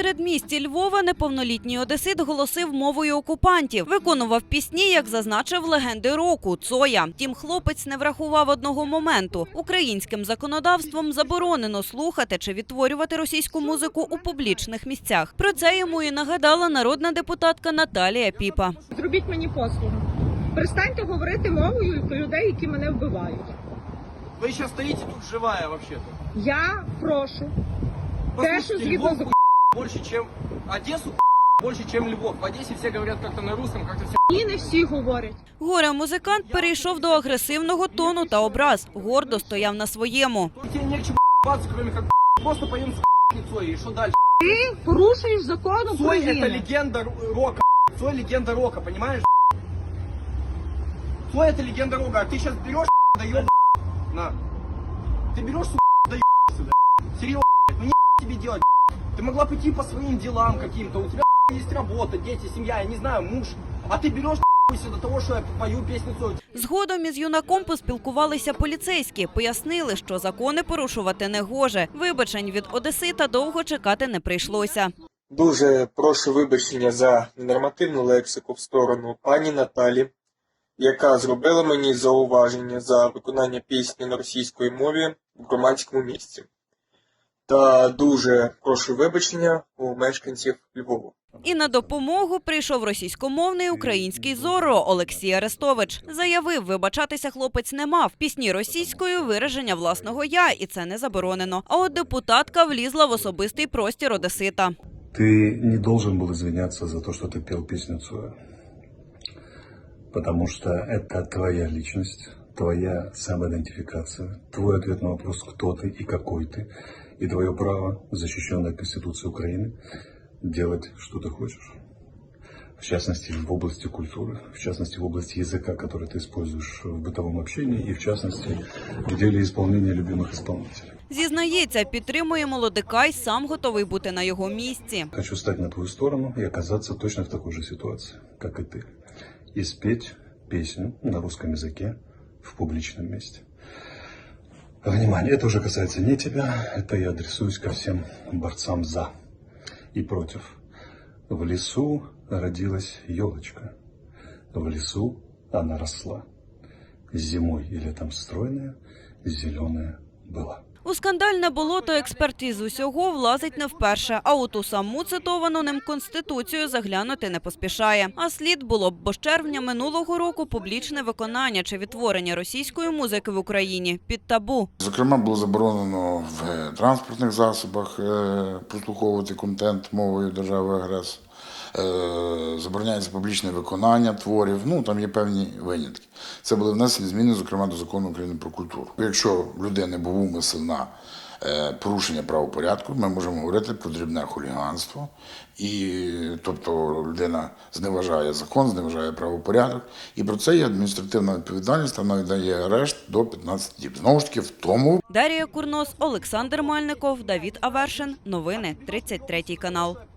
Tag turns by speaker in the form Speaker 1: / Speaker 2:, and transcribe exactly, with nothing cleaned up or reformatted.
Speaker 1: передмісті Львова неповнолітній одесит голосив мовою окупантів. Виконував пісні, як зазначив легенди року – Цоя. Втім, хлопець не врахував одного моменту. Українським законодавством заборонено слухати чи відтворювати російську музику у публічних місцях. Про це йому і нагадала народна депутатка Наталія Піпа.
Speaker 2: Зробіть мені послугу. Перестаньте говорити мовою людей, які мене вбивають.
Speaker 3: Ви зараз стоїте тут живая, взагалі-то.
Speaker 2: Я прошу. Те, що згідно з...
Speaker 3: Більше, ніж Одесу, більше, ніж Львов. В Одесі всі говорять як-то на русском, як-то все.
Speaker 2: І не всі говорять.
Speaker 1: Горе-музикант перейшов до агресивного тону та образ. Гордо стояв на своєму.
Speaker 3: Тебе не к чему б***ться, кроме как просто поїм з Цой, і що далі?
Speaker 2: Ти порушуєш закон України.
Speaker 3: Цой – це легенда рока, Цой – легенда рока, понимаешь? Цой – это легенда рока, а ты сейчас берешь, даешь, на. Ты берешь, даешь сюда. Серьезно, ну не тебе делать. Ты могла пойти по своим делам каким-то, у тебя есть работа, дети, семья, я не знаю, муж. А ты берешь до того, що я пою пісню Цой.
Speaker 1: Згодом із юнаком поспілкувалися поліцейські. Пояснили, що закони порушувати не гоже. Вибачень від одесита довго чекати не прийшлося.
Speaker 4: Дуже прошу вибачення за ненормативну лексику в сторону пані Наталі, яка зробила мені зауваження за виконання пісні на російській мові в громадському місці. Та дуже прошу вибачення у мешканців Львова.
Speaker 1: І на допомогу прийшов російськомовний український Зорро Олексій Арестович. Заявив, вибачатися хлопець не мав. Пісні російською – вираження власного «я», і це не заборонено. А от депутатка влізла в особистий простір одесита.
Speaker 5: Ты не должен был извиняться за то, что ты пел песню Цоя. Потому что это твоя личность, твоя самоидентификация, твой ответ на вопрос, кто ты и какой ты, и твое право, защищенное Конституцией Украины, делать, что ты хочешь. В частности, в области культуры, в частности, в области языка, который ты используешь в бытовом общении, и в частности, в деле исполнения любимых исполнителей.
Speaker 1: Зізнається, підтримує молодика й сам готовий бути на його місці.
Speaker 5: Хочу стать на твою сторону и оказаться точно в такой же ситуации, как и ты. И спеть песню на русском языке в публичном месте. Внимание, это уже касается не тебя, это я адресуюсь ко всем борцам за и против. В лесу родилась елочка, в лесу она росла. Зимой и летом стройная, зеленая была.
Speaker 1: У скандальне болото експерт із усього влазить не вперше, а у ту саму цитовану ним Конституцію заглянути не поспішає. А слід було б, бо з червня минулого року публічне виконання чи відтворення російської музики в Україні під табу.
Speaker 6: Зокрема, було заборонено в транспортних засобах прослуховувати контент мовою держави-агресора. Забороняється публічне виконання творів, ну там є певні винятки. Це були внесені зміни, зокрема, до Закону України про культуру. Якщо в людини був умисел на порушення правопорядку, ми можемо говорити про дрібне хуліганство. І, тобто людина зневажає закон, зневажає правопорядок. І про це є адміністративна відповідальність, вона дає арешт до п'ятнадцяти діб. Знову ж таки, в тому...
Speaker 1: Дар'я Курнос, Олександр Мальников, Давід Авершин. Новини, тридцять третій канал.